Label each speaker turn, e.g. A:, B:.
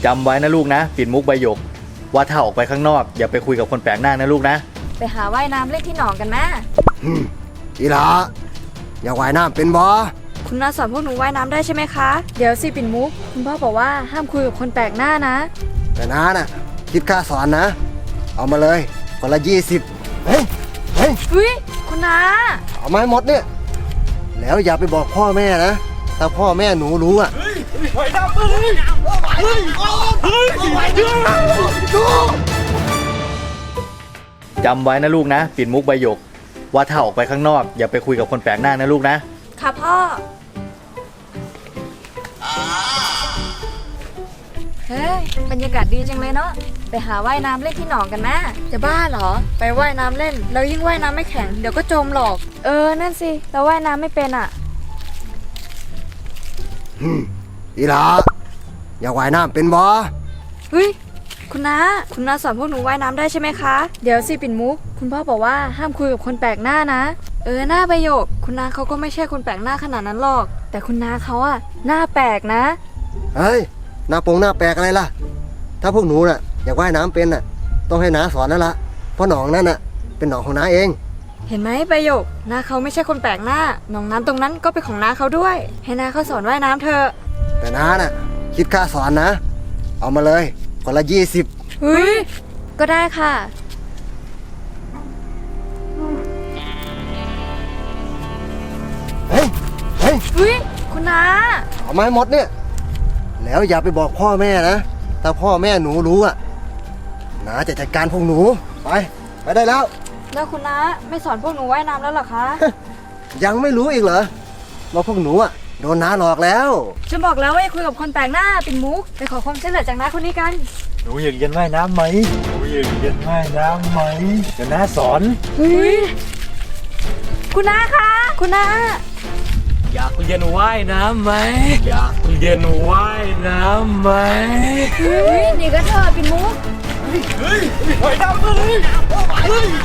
A: จำไว้นะลูกนะปิ่นมุกใบหยกว่าถ้าออกไปข้างนอกอย่าไปคุยกับคนแปลกหน้านะลูกนะ
B: ไปหาว่ายน้ำเล่นที่หนองกันแม่
C: อีหลาอยากว่ายน้ำเป็นบ่
B: คุณน้าสอนพวกหนูว่ายน้ำได้ใช่ไหมคะเดี๋ยวสิปิ่นมุกคุณพ่อบอกว่าห้ามคุยกับคนแปลกหน้านะ
C: แต่น้าน่ะคิดค่าสอนนะเอามาเลยคนละ20เฮ้ย
B: คุณน้า
C: เอามาให้หมดเนี่ยแล้วอย่าไปบอกพ่อแม่นะถ้าพ่อแม่หนูรู้อ่ะ
A: จำไว้นะลูกนะปิ่นมุกใบหยกว่าถ้าออกไปข้างนอกอย่าไปคุยกับคนแปลกหน้านะลูกนะ
B: ค่ะพ่อเฮ้ยบรรยากาศดีจังเลยเนาะไปหาว่ายน้ำเล่นที่หนองกันนะจะบ้าเหรอไปว่ายน้ำเล่นแล้วยิ่งว่ายน้ำไม่แข็งเดี๋ยวก็จมหรอกนั่นสิเราว่ายน้ำไม่เป็นอ่ะ
C: อีหลาอยากว่ายน้ำเป็นบ่
B: คุณน้าสอนพวกหนูว่ายน้ำได้ใช่ไหมคะเดี๋ยวสิปิ่นมุกคุณพ่อบอกว่าห้ามคุยกับคนแปลกหน้านะหน้าประโยคคุณน้าเขาก็ไม่ใช่คนแปลกหน้าขนาดนั้นหรอกแต่คุณน้าเขาอะหน้าแปลกนะ
C: เฮ้ยหน้าแปลกอะไรล่ะถ้าพวกหนูน่ะอยากว่ายน้ำเป็นน่ะต้องให้น้าสอนนั่นละเพราะหนองนั่นน่ะเป็นหนองของน้าเอง
B: เห็นไหมประโยคน้าเขาไม่ใช่คนแปลกหน้าหนองน้ำตรงนั้นก็เป็นของน้าเขาด้วยให้น้าเขาสอนว่ายน้ำเถอะ
C: แต่น้าน่ะคิดค่าสอนนะเอามาเลยคนละ20
B: ก็ได้ค่ะ
C: เฮ้ย
B: คุณน้า
C: เอามาให้หมดเนี่ยแล้วอย่าไปบอกพ่อแม่นะถ้าพ่อแม่หนูรู้อ่ะน้าจะจัดการพวกหนูไปได้แล้ว
B: คุณน้าไม่สอนพวกหนูว่ายน้ำแล้วหรอคะ
C: ยังไม่รู้อีกเหรอว่าพวกหนูอ่ะโดนน้าหลอกแล้ว
B: ฉันบอกแล้วว่าอย่าคุยกับคนแปลกหน้าปิ่นมุกไปขอความช่วยเหลือจากน้าคนนี้กัน
A: หนูอยากเรียนว่ายน้ำไหมเดี๋ยวน้าสอน
B: คุณน้าคะคุณน้า
A: อยากเรียนว่ายน้ำไหม
B: นี่ก็เธอปิ่นมุก
A: ว่ายน้ำเลย